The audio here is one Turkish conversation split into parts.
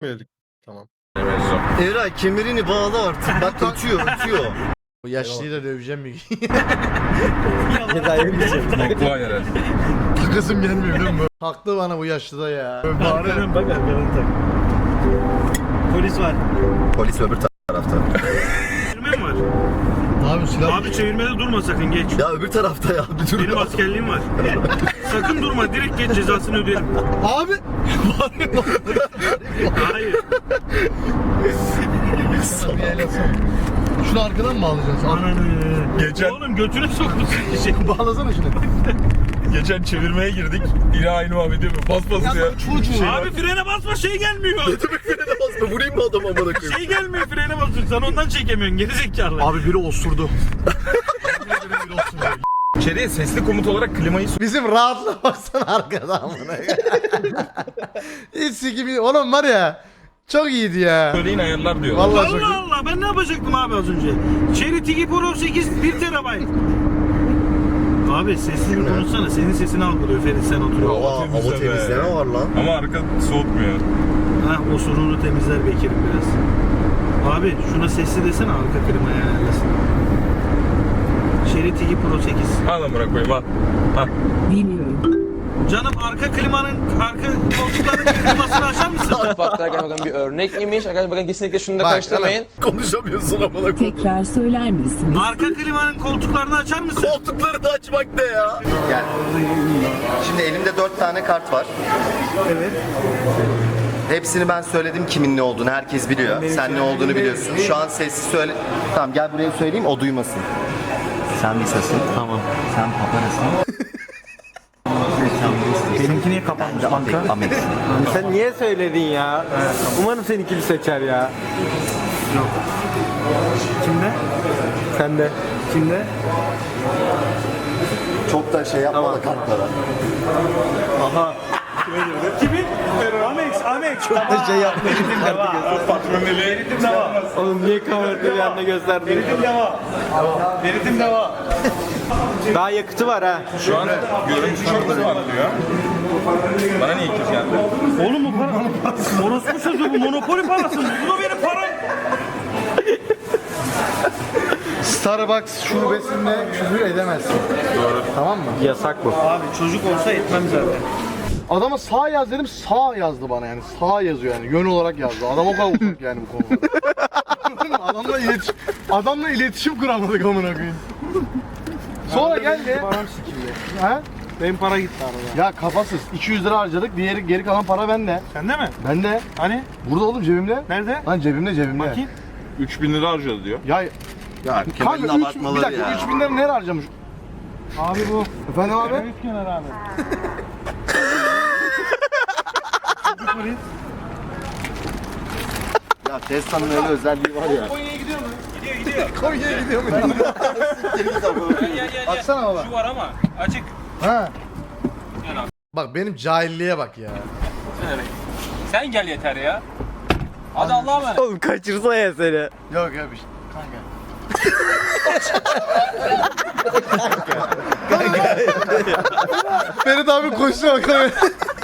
Verdik. Tamam. Eray kemerini bağla artık. Bak ötüyor. Bu yaşlıyı da döveceğim bir gün. Kolay herhalde. Takasım gelmiyor biliyor musun? Taktı bana bu yaşlıda ya. Arkadan Bak arkadan tak. Polis var. Polis öbür tarafta. Çevirme mi var? Abi silah. Abi çevirmede durma sakın geç. Ya öbür tarafta ya. Bir dur. Benim askerliğim var. Sakın durma direkt geç cezasını ödeyelim. Abi. Hayır. Şunu arkadan mı bağlayacaksın? Geçen- Oğlum götüne sokmuşsun şey. Bağlasana şunu. Geçen çevirmeye girdik. Yine aynı muhabbet yapıyor. Bas bas ya. Çocuğu. Abi frene basma şey gelmiyor. Frene basma. Vurayım mı adamı amına koyayım? Şey gelmiyor frene basıyorsun sen ondan çekemiyorsun gerizekalı. Abi biri osurdu. İçeriye sesli komut olarak klimayı Bizim rahatla baksana arkadan buna. Hiç sikimi... Oğlum var ya. Çok iyiydi ya. söyleyin ayarlar diyorlar. Vallahi çok iyi. Allah Allah ben ne yapacaktım abi az önce? Cherry Tigi Pro 8 1 TB. Abi sesli bir konuşsana senin sesini algılıyor Ferit sen oturuyor. Aa, hava temizleme var lan. Ama arka soğutmuyor. Hah o sorunu temizler Bekir'im biraz. Abi şuna sesli desene arka klimayı ayarlasın. Cherry Tigi Pro 8. Al amına koyayım al. Al. Canım arka klimanın arka koltukların klimasını açar mısın? Mutfakta bakın bir örnek imiş. Arkadaşlar bakın kesinlikle şunu da Bak, karıştırmayın. Konuşamıyorsun amına koyayım. Tekrar söyler misiniz? Arka klimanın koltuklarını açar mısın? Koltukları da açmak ne ya? Gel. Şimdi elimde 4 tane kart var. Evet. Hepsini ben söyledim kimin ne olduğunu. Herkes biliyor. Sen ne olduğunu biliyorsun. Şu an sessiz söyle. Tamam gel buraya söyleyeyim o duymasın. Sen Lisa'sın. Tamam. Sen Paparasın. Benimki niye kapanmış banka? Amex. Sen niye söyledin ya? Umarım seninkini seçer ya. Kimde? Sen de. Kimde? Çok da şey yapma da kartlara. Kimin? Amex. Çok da şey yapma. Patroneli. Veritim deva. Oğlum niye kamerayı yanına gösterdin? Veritim deva. Veritim deva. Daha yakıtı var ha. Şu an görüntü çok hızlı var diyor. Bana niye ikiz geldi? Oğlum bu para. Orospu sözü bu monopoli parası. Bu da benim param. Starbucks şubesinde küfür edemezsin. Doğru. Tamam mı? Yasak bu. Abi çocuk olsa etmem zaten. Adama sağ yaz dedim, sağ yazdı bana yani. Sağ yazıyor yani, yön olarak yazdı. Adam o kadar uzak yani bu konuda. Anladın mı? Adamla iletişim kuramadık amına koyayım. Sonra geldi. Param sikildi. Ha? Benim para gitti arada. Ya kafasız. 200 lira harcadık. Geri kalan para bende. Sende mi? Bende. Hani? Burada oğlum cebimde. Nerede? Lan cebimde. Bakayım. 3000 lira harcadı diyor. Ya Ya kanka Kemal'in 3, bir abartmaları dakika ya. 3000 lira nereye harcamış? Abi bu. Efendim abi? Üç kenar abi. Ya Tesla'nın öyle özelliği var ya. Konya'ya gidiyor mu? Gidiyor. Konya'ya gidiyor mu? Gel. Açsana baba. Şu var ama açık. Ha. Bak benim cahilliğe bak ya. Sen gel yeter ya. Hadi Allah'a emanet. Oğlum kaçırsa ya seni. Yok ya bir şey. Kanka. Ferit abi koşuyor bakalım.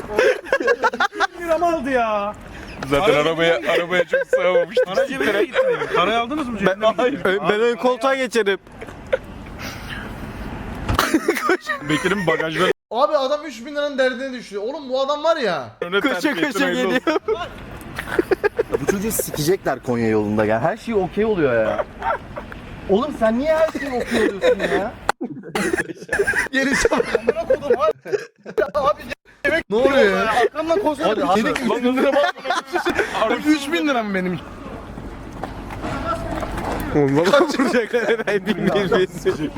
1 lira mı aldı ya? Zaten arabaya çok sığamamıştı. Para cebine gitti benim. Parayı aldınız mı cebine? Ben ön koltuğa geçerim. Bekir'in bagajdan Abi adam 3000 liranın derdine düşüyor. Oğlum bu adam var ya. Koşa koşa geliyor. Bu çocuğu sikecekler Konya yolunda ya. Her şey okey oluyor ya. Oğlum sen niye her şeyi okey oluyorsun ya? Gelişe bak. Abi yemek ne oluyor ya? Arkamdan koşsana. Hadi, Dedik 3000 lira bak. 3000 lira mı benim? Oğlum valla vuracaklar herhalde bilmeyiz.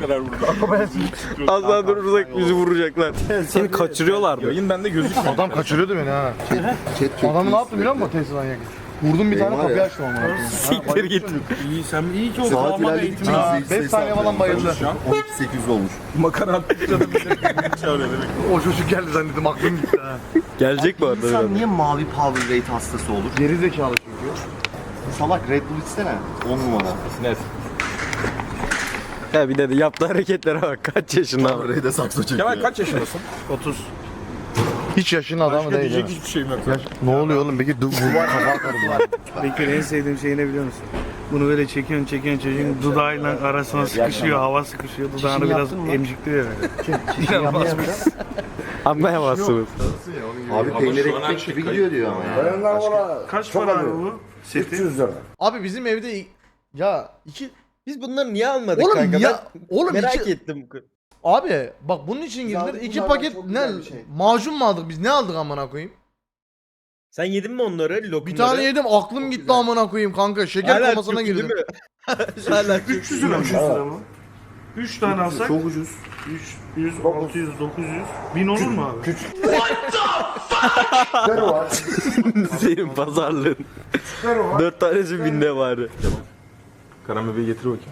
Az daha durursak bizi vuracaklar. Seni kaçırıyorlar mı? yayın bende gözükmüyor. Adam kaçırıyordu beni ha. Chat Adamı ne yaptım biliyor musun Tesla'dan yakın? Vurdum bir tane var kapıyı ya. açtım ama. Siktir git. İyi sen iyi ki o Saat damat ilerledi. eğitimi. 5 saniye falan bayıldı. 12800 olmuş. Makara attıkça da beni çağırıyor demek. O çocuk geldi zannettim aklım gitti ha. Gelecek bu arada. İnsan niye mavi power rate hastası olur? Geri zekalı çünkü. Salak Red Bull içsene. 10 numara. Net. Ya bir de yaptığı hareketlere bak. Kaç yaşında? Power rate'e sakso çekiyor. Kemal kaç yaşındasın? 30. Hiç yaşın adamı değil. Diyecek hiçbir şeyim yok. Ne oluyor oğlum peki? Bu kafa atarım. Bekir en sevdiğim şey ne biliyor musun? Bunu böyle çekiyorsun çocuğun dudağıyla arasına sıkışıyor, hava sıkışıyor, dudağını biraz emcikliyor böyle. Anlayamazsınız. Abi peynir ekmek gibi gidiyor diyor ama ya. Kaç para abi bu? Seti? Abi bizim evde ya iki Biz bunları niye almadık oğlum kanka? ya oğlum Merak iki, ettim. abi bak bunun için girdiler. İki paket ne macun mu aldık biz? Ne aldık amına koyayım? Sen yedin mi onları? Lokumları? Bir tane yedim aklım gitti amına koyayım kanka. Şeker Hala komasına Türk'ü girdim. değil mi? Hala 300 lira mı? 300 lira mı? 3 tane alsak? Çok ucuz. 300, 600, 900. 1000 olur mu abi? Senin pazarlığın. 4 tanesi binde var. Karan bebeği getir bakayım.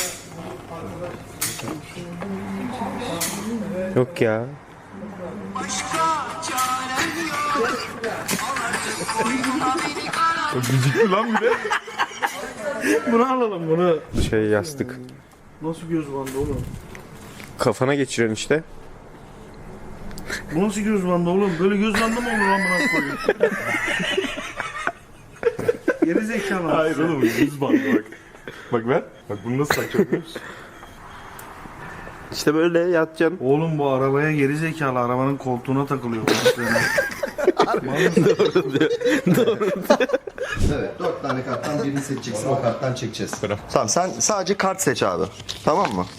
Yok ya. Gıcıklı lan bir de. Bunu alalım bunu. Şey yastık. Nasıl göz bandı oğlum? Kafana geçiriyorsun işte. Bu nasıl göz bandı oğlum? Böyle göz bandı mı olur lan buna koyayım? Geri zekalı. Hayır oğlum yüz bandı bak. Bak ver. Bak bunu nasıl takacağım biliyor musun? İşte böyle yatacaksın. Oğlum bu arabaya geri zekalı. Arabanın koltuğuna takılıyor. Evet 4 tane karttan birini seçeceksin o karttan çekeceğiz. Tamam sen sadece kart seç abi. Tamam mı?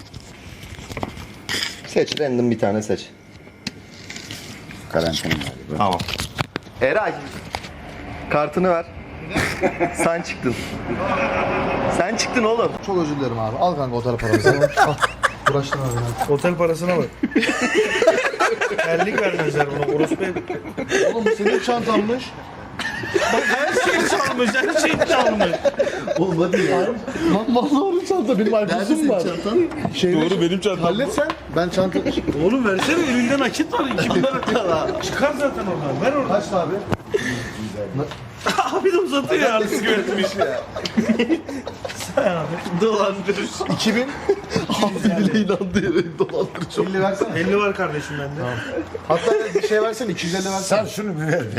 Seç random bir tane seç. Karantina galiba. Tamam. Eray. Kartını ver. Sen çıktın. Sen çıktın oğlum. Çok özür dilerim abi. Al kanka otel parası. Al. Uğraştın abi. Otel parasına bak. Terlik vermezler buna. Orospu ev. Oğlum bu senin çantanmış. Her şey çalmış. Her şey çalmış. Oğlum hadi ya. Lan vallahi onun çanta benim iPhone'um var. çantan? Doğru benim çantam. Hallet sen. Ben çanta... Oğlum versene elinde nakit var. 2000 lira. Çıkar zaten oradan. Ver oradan. Kaçtı abi? Abi de uzatıyor ya. Arası güvenmiş ya. Dolandırır. 2000. Abi bile inandı ya dolandırıcı. 50 versene. 50 var kardeşim bende. Hatta bir şey versene 250 versene. Sen şunu bir ver.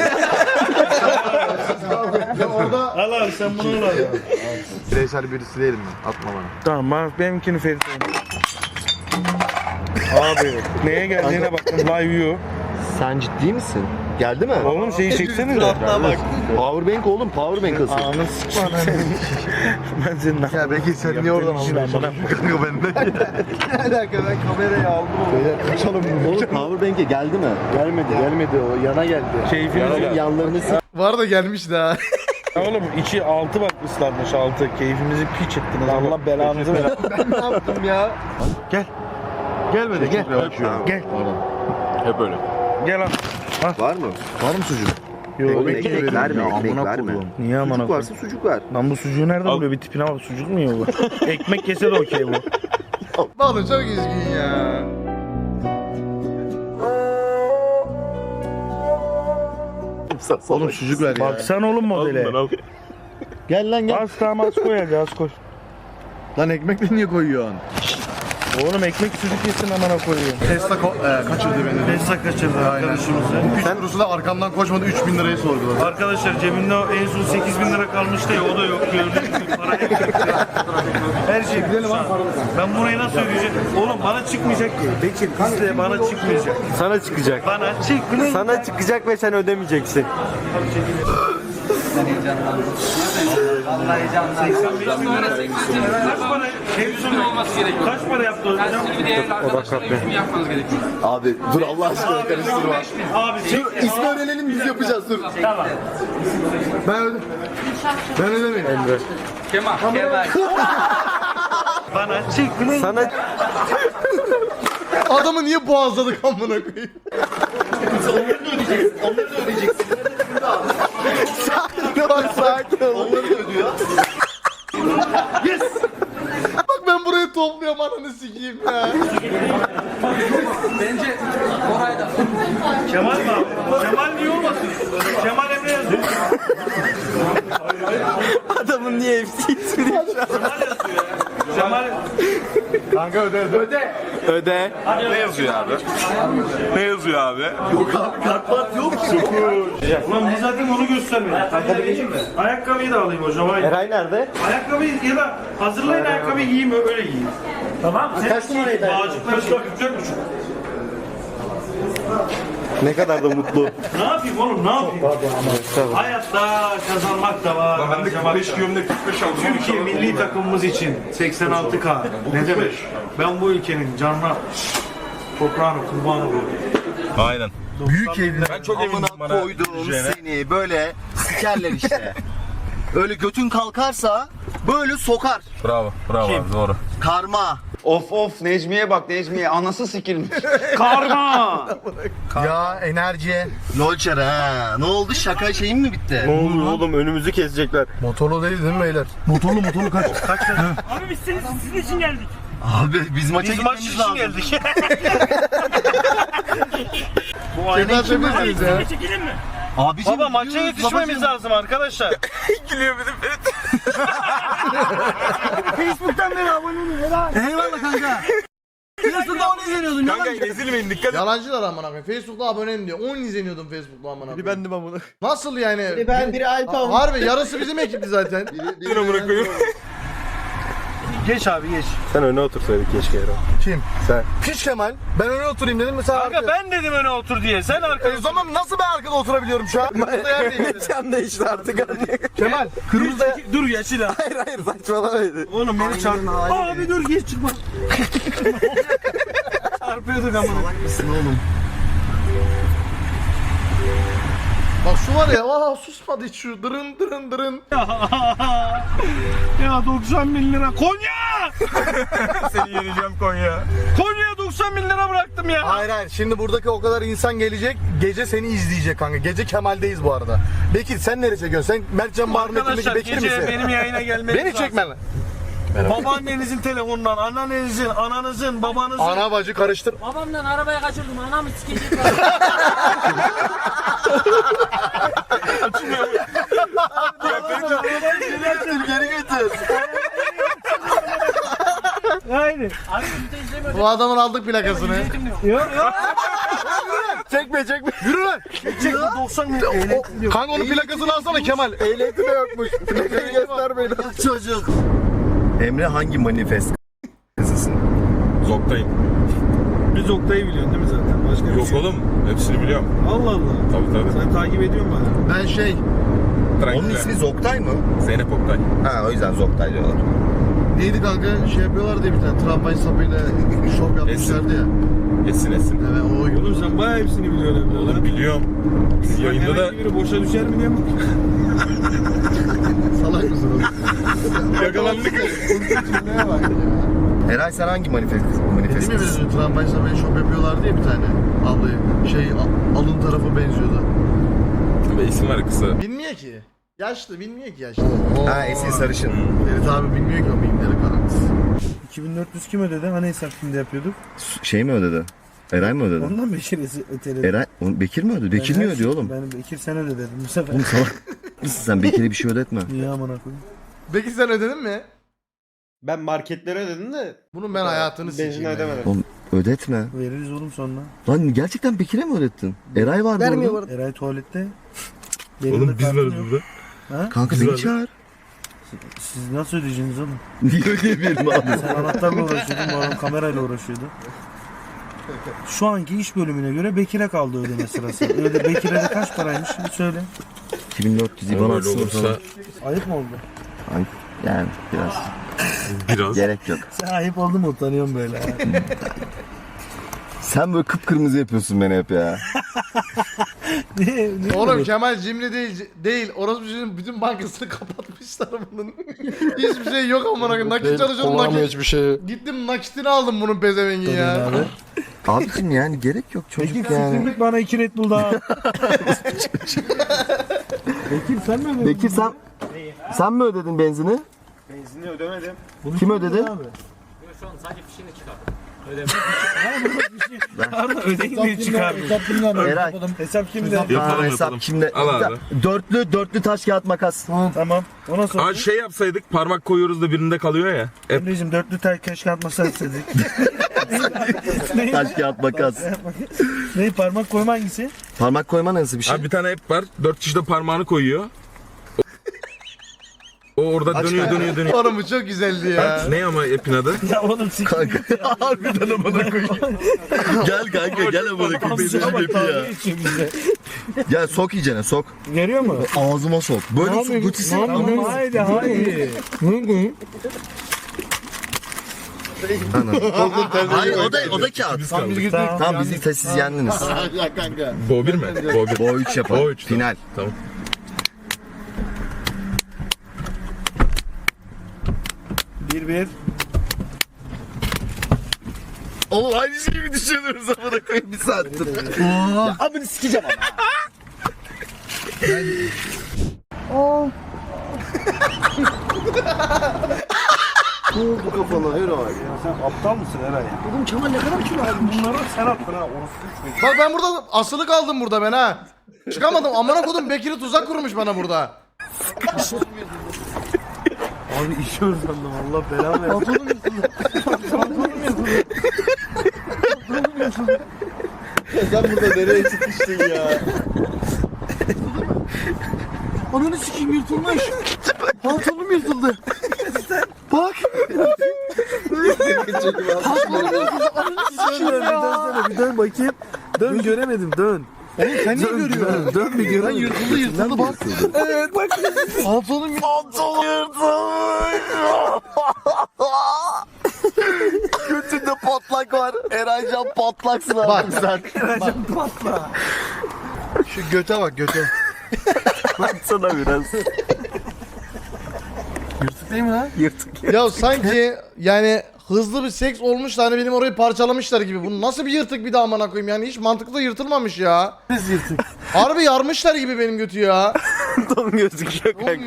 Ya orada Al abi sen bunu al abi. bireysel birisi değilim ben. Atma bana. Tamam benimkini Ferit Abi neye geldiğine bakın live view. Sen ciddi misin? Geldi mi? Oğlum şeyi çeksene de. Bak. Powerbank oğlum powerbank asıl. Anı sıkma ben senin Ya belki sen niye oradan aldın? Kanka bende. Ne alaka ben kamerayı aldım. Beyler kaçalım bunu. Oğlum powerbank'e geldi mi? Gelmedi o yana geldi. Keyfiniz ya. Yanlarını sık. Var da gelmiş daha. Oğlum içi 6 bak ıslanmış 6. Keyfimizi piç ettiniz. Allah belanızı ver. Ben ne yaptım ya? Gelmedi gel. Gel. Hep öyle. Gel al. Var mı? Var mı sucuk? Yok. Ekmek verme, ekmek amına verme. koyduğum. Niye amına Sucuk koyayım? varsa sucuk ver. Lan bu sucuğu nereden buluyor? Bir tipine bak sucuk mu yiyor bu? Ekmek yese de okey bu. Oğlum çok üzgün ya. Oğlum sucuk ver ya. Baksana oğlum modele. Al. Gel lan gel. Az tamam az koy hadi az koy. Lan ekmekle niye koyuyorsun? Oğlum ekmek sucuk yesin amına koyuyor. Tesla kaçırdı beni. Tesla kaçırdı arkadaşımızı. Sen kurusu da arkamdan koşmadı 3000 lirayı sorguladı. Arkadaşlar cebimde en son 8000 lira kalmıştı ya o da yok gördüğünüz gibi para hep gitti. Her şey gidelim abi. Ben burayı nasıl ödeyeceğim? Oğlum bana çıkmayacak ki. Bekir bizde bana çıkmayacak. Sana çıkacak. Bana çıkmayacak. Sana çıkacak ve sen ödemeyeceksin. Vallahi heyecanlı. 85 bin lira. Kaç para? Kaç para yaptı hocam? Abi dur Allah aşkına karıştırma. Abi çek. İsmi öğrenelim biz yapacağız dur. Tamam. Ben ödemeyim. Emre. Bana çıkmayacak. Sana Adamı niye boğazladık amına koyayım? Onları da ödeyeceksin. Sakin ol sakin ol. Onları da ödüyor. Bak ben burayı topluyorum ananı sikeyim ya. Kemal mi abi? Kemal niye olmasın? Kemal Emre yazıyor. adamın niye hepsi ismini Kemal yazıyor ya. Kemal... Kanka öde. Öde. Ne yazıyor abi? Ne yazıyor abi? Ulan biz zaten onu göstermedik. Ayakkabıyı da alayım hocam. Hayır. Eray nerede? Ayakkabıyı ya da hazırlayın ayakkabıyı giyeyim öyle giyeyim. Tamam. Kaç numaraydı? Bağcıklar işte 44,5. Ne kadar da mutlu. Ne yapayım oğlum ne yapayım? Hayatta kazanmak da var. Ben de harcamak 45 da. diyorum da 45 alıyorum. Türkiye milli takımımız için 86K. Ne demek? Ben bu ülkenin canına toprağına kurban oluyorum. Aynen. Büyük evine Ben çok emindim bana koydum düşeceğine. seni böyle sikerler işte. Öyle götün kalkarsa böyle sokar. Bravo abi doğru. Karma. Of Necmiye bak Necmiye anası sikilmiş. Karma! Ya enerji. Lolçer ha. Ne oldu şaka şeyin mi bitti? Ne olur oğlum önümüzü kesecekler. Motorlu değil mi beyler? Motorlu kaç. Abi biz sizin için geldik. Abi biz maça Biz maç gitmemiz için lazım. geldik. Bu Kemal aynen çekmesiniz ya. Çekelim mi? Abiciğim, Baba maça gidiyoruz, yetişmemiz babacığım. lazım arkadaşlar. Facebook'tan beri abone olun. Helal. Eyvallah kanka. Facebook'ta 10 izleniyordun. Kanka ezilmeyin dikkat et. Yalancılar amına koyayım. Facebook'ta abonem diyor. 10 izleniyordum Facebook'ta amına koyayım. Bendim amına. Nasıl yani? Biri ben, biri Alpan. Harbi yarısı bizim ekipti zaten. Amına koyayım. Geç abi geç. Sen öne otursaydık keşke Eren. Kim? Sen. Piç Kemal. Ben öne oturayım dedim. Mesela Kanka ben dedim öne otur diye. Sen arkaya. O zaman nasıl ben arkada oturabiliyorum şu an? Kırmızı yer değil. Can değişti artık. Kemal. Kırmızı yer. Dur yaşlı ha. Hayır saçmalamaydı. Oğlum beni çarptı. Abi dur geç çıkma. Çarpıyorduk ama. Bak şu var ya. Aa susmadı hiç şu. Dırın. Ya 90 bin lira. Konya! Seni yeneceğim Konya. Konya'ya 90 bin lira bıraktım ya. Hayır. Şimdi buradaki o kadar insan gelecek. Gece seni izleyecek kanka. Gece Kemal'deyiz bu arada. Bekir sen nereye çekiyorsun? Sen Mertcan Barnet'indeki Arkadaşlar Bekir gece misin? benim yayına gelmeniz Beni lazım. çekme lan. Babaannenizin telefonundan, anneannenizin, ananızın, babanızın. Ana bacı karıştır. Babamdan arabaya kaçırdım. Anamı sikecek. Geri götür. Aynen. Abi biz de izlemiyoruz. Bu adamın aldık plakasını. Yok. Çekme. Yürü lan. Çek 90 bin lira. Kanka onun plakasını alsana Kemal. Ehliyeti de yokmuş. Plakayı göster beni. Çocuk. Emre hangi manifest kızısın? Zoktayım. Biz Oktay'ı biliyorsun değil mi zaten? Başka bir Yok şey. oğlum hepsini biliyorum. Allah Allah. Tabii. Sen takip ediyor musun bana? Ben şey. Onun ismi Zoktay mı? Zeynep Oktay. Ha o yüzden Zoktay diyorlar. Neydi kanka? Şey yapıyorlardı ya bir tane tramvay sapıyla şov yapmışlardı ya. Esin. Evet o Oğlum sen bayağı hepsini biliyorsun evde lan. Biliyorum. Yayında da Herhangi biri boşa düşer mi diye mi? salak mısın oğlum? yakalandık. Cümleye bak ya. Eray sen hangi manifest Değil mi biz tramvay sapıyla şov yapıyorlardı ya bir tane ablayı. Şey alın tarafı benziyordu. Ve isim var kısa. Bilmiyor ki. Yaşlı bilmiyor ki yaşlı. Ha Esin Sarışın. Ferit abi bilmiyor ki o mimleri karanlık. 2400 kim ödedi? Hani hesap şimdi yapıyorduk? Şey mi ödedi? Eray mı ödedi? Ondan Bekir öteledi. Eray, Bekir mi ödedi? Bekir niye ödüyor oğlum? Ben Bekir sen öde dedim bu sefer. Oğlum salak mısın sen? Bekir'e bir şey ödetme. Niye amına koyayım? Peki sen ödedin mi? Ben marketlere ödedim de. Bunun ben hayatını Benzin sikeyim. ya. ödemedim. Oğlum ödetme. Veririz oğlum sonra. Lan gerçekten Bekir'e mi ödettin? Eray vardı Vermiyor orada. Eray tuvalette. Oğlum biz varız burada. Kanka beni çağır. Siz nasıl ödeyeceksiniz oğlum? Niye ödeyebilirim abi? Sen anahtarla uğraşıyordun, bu adam kamerayla uğraşıyordu. Şu anki iş bölümüne göre Bekir'e kaldı ödeme sırası. Öyle Bekir'e de kaç paraymış şimdi söyle. 2400 IBAN Böyle atsın o olursa zaman. Ayıp mı oldu? Yani biraz. biraz. Gerek yok. Sen ayıp oldu mu utanıyorum böyle. Sen böyle kıpkırmızı yapıyorsun beni hep ya. ne Oğlum Kemal cimri değil. Orası bütün bankasını kapatmışlar bunun. Hiçbir şey yok amına koyayım. Nakit çalışıyordum nakit. hiçbir şey. Gittim nakitini aldım bunun pezevengin ya. abi? Abicim yani gerek yok çocuk Bekir yani. siktirdik bana 2 Red Bull daha. Bekir sen mi ödedin? Bekir sen mi ödedin benzini? Benzini ödemedim. Kim ödedi? Abi. Şu an sadece fişini çıkardım. Arda ödeyin diye çıkarmıyor. Eray. Hesap kimde? Aa, hesap kimde? Al abi. Dörtlü taş kağıt makas. Tamam. Ona sonra. Aa şey yapsaydık parmak koyuyoruz da birinde kalıyor ya. Emre'cim dörtlü tay keşke atmasa istedik. Taş kağıt makas. Ne parmak koyma hangisi? Parmak koyma nasıl bir şey? Abi bir tane ep var. 4 kişi de parmağını koyuyor. O orada dönüyor. Oğlum bu çok güzeldi ya. Ne ama epin adı? Ya oğlum sik. Kanka harbiden amına koyayım. Gel kanka gel amına koyayım. Benim hepi ya. Gel sok iyicene sok. Görüyor mu? Ağzıma sok. Böyle gutisi. Tamam haydi haydi. Hayır o da kağıt. Tamam bizi siz yendiniz. Bo 1 mi? Bo 1. Bo 3 yapalım. Bo 3. Final. Tamam. Bir. Oğlum aynı şeyi düşünüyoruz amına koyayım bir saattir. Ya amını sikeceğim ama. Bu kafana her ay. Sen aptal mısın Eray? Oğlum Kemal ne kadar kilo aldın? Bunları sen attın ha. Orası Bak ben burada asılı kaldım burada ben ha. Çıkamadım. Amına kodum Bekir'i tuzak kurmuş bana burada. Abi işiyoruz sandım. Allah belanı versin. Sen burada nereye sıkıştın ya? Ananı sikeyim yırtılmış. Pantolonum yırtıldı. Bak. Bir dön bakayım. Dön göremedim dön. Oğlum sen niye görüyorsun? Dön bir Ben göremedim. yırtıldı bak. Evet bak. Pantolonum Götünde patlak var. Eraycan patlaksın Bak. artık sen. Şu göte bak göte. Baksana biraz. Yırtık değil mi lan? Yırtık. Ya sanki yani hızlı bir seks olmuş da hani benim orayı parçalamışlar gibi. Bu nasıl bir yırtık bir daha amına koyayım yani hiç mantıklı yırtılmamış ya. Biz yırtık. Harbi yarmışlar gibi benim götü ya. Tam gözüküyor kanka.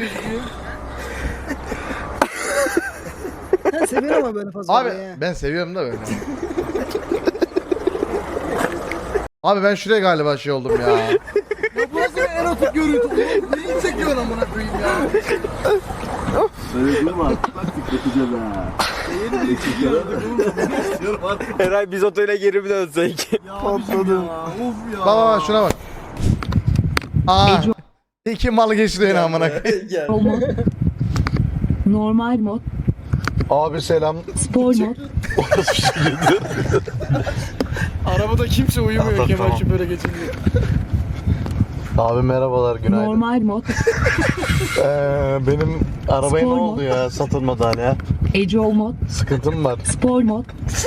Sen seviyorsun ama böyle fazla. Abi ben seviyorum da böyle. Abi ben şuraya galiba şey oldum ya. Ya bu nasıl bir erotik görüntü oğlum? Neyi çekiyorsun amına koyayım ya? Eray biz otele geri mi dönsek? Patladım. Bak bak şuna bak. Aa. İki mal geçti yine amına koyayım. Normal mod, Abi selam. spor mod, Arabada kimse uyumuyor Kemal şu böyle geçince. Abi merhabalar günaydın. normal mod, Benim arabaya Spor ne mu? oldu ya satılmadı hala. ecol mod, Sıkıntım var. spor mod,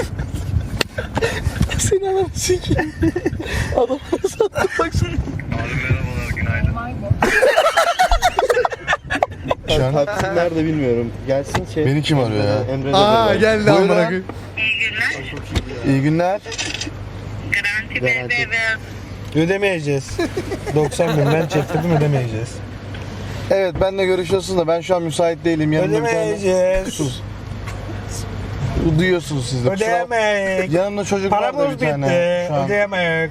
Seni adam sikeyim. Adam sattı bak şimdi. Abi merhabalar günaydın. Şu an Nerede bilmiyorum. Gelsin şey. beni kim arıyor ya? Emre de Aa böyle. geldi amına koyayım. İyi günler. Ödemeyeceğiz. 90 bin ben çektirdim ödemeyeceğiz. Evet benle görüşüyorsun da ben şu an müsait değilim. Yanımda bir tane... Ödemeyeceğiz. Sus. Duyuyorsunuz siz de. Ödeyemek. Yanımda çocuk var da Paramız bir tane. bitti. Şu an. Ödeyemek.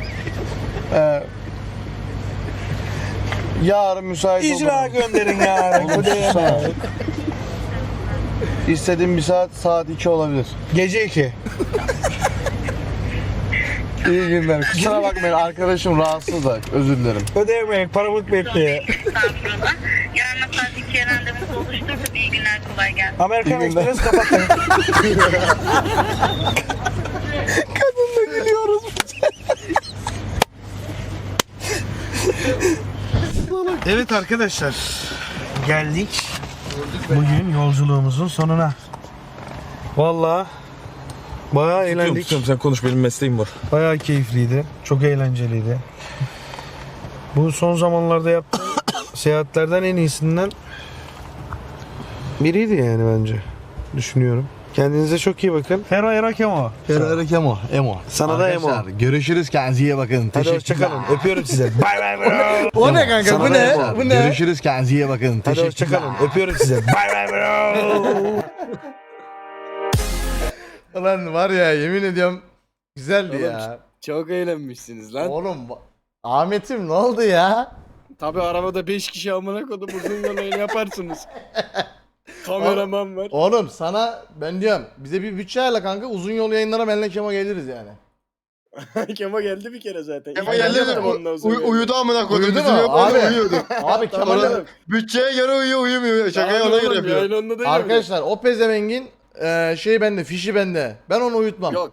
Yarın müsait İcra olurum. gönderin yarın. Oğlum, Ödeyemek. İstediğim bir saat 2 olabilir. Gece 2. İyi günler. Kusura bakmayın arkadaşım rahatsız da özür dilerim. Ödeyemek. Paramız bitti. Estağfurullah. Yarın saat 2'ye randevunuzu oluşturduk. İyi günler, kolay gelsin. Amerikan İyi günler. Express kapatın. Kadınla gülüyoruz. Evet arkadaşlar. Geldik. Bugün yolculuğumuzun sonuna. Vallahi bayağı eğlendik. Tutuyorum sen konuş benim mesleğim var. Bayağı keyifliydi. Çok eğlenceliydi. Bu son zamanlarda yaptığım seyahatlerden en iyisinden biriydi yani bence. Düşünüyorum. Kendinize çok iyi bakın. Hero Kemo. Emo. Sana da Emo. Görüşürüz kendinize iyi bakın. Hadi hoşçakalın. Öpüyorum size. Bay bay bro. O ne kanka Sana bu da ne? Emo. Bu ne? Görüşürüz kendinize iyi bakın. Hadi hoşçakalın. Öpüyorum size. Bay bay bro. Ulan var ya yemin ediyorum güzeldi ya. Çok eğlenmişsiniz lan. Oğlum Ahmet'im ne oldu ya? Tabi arabada 5 kişi amına kodum uzun yol yayın yaparsınız. Kameraman var. Oğlum sana ben diyorum bize bir bütçe ayarla kanka uzun yol yayınlara benle Kemo geliriz yani. Kemo geldi bir kere zaten. Ama İlk geldi yaptım ondan sonra. uyudu amına koydum. Uyudu Bizim mu? yok Abi. orada uyuyordu. Abi Kemal'e Tamam. Bütçeye göre uyuyor uyumuyor. Şakayı Tamam ona göre oğlum, yapıyor. yayın onunla değil mi? arkadaşlar o pezevengin şey bende fişi bende. Ben onu uyutmam. Yok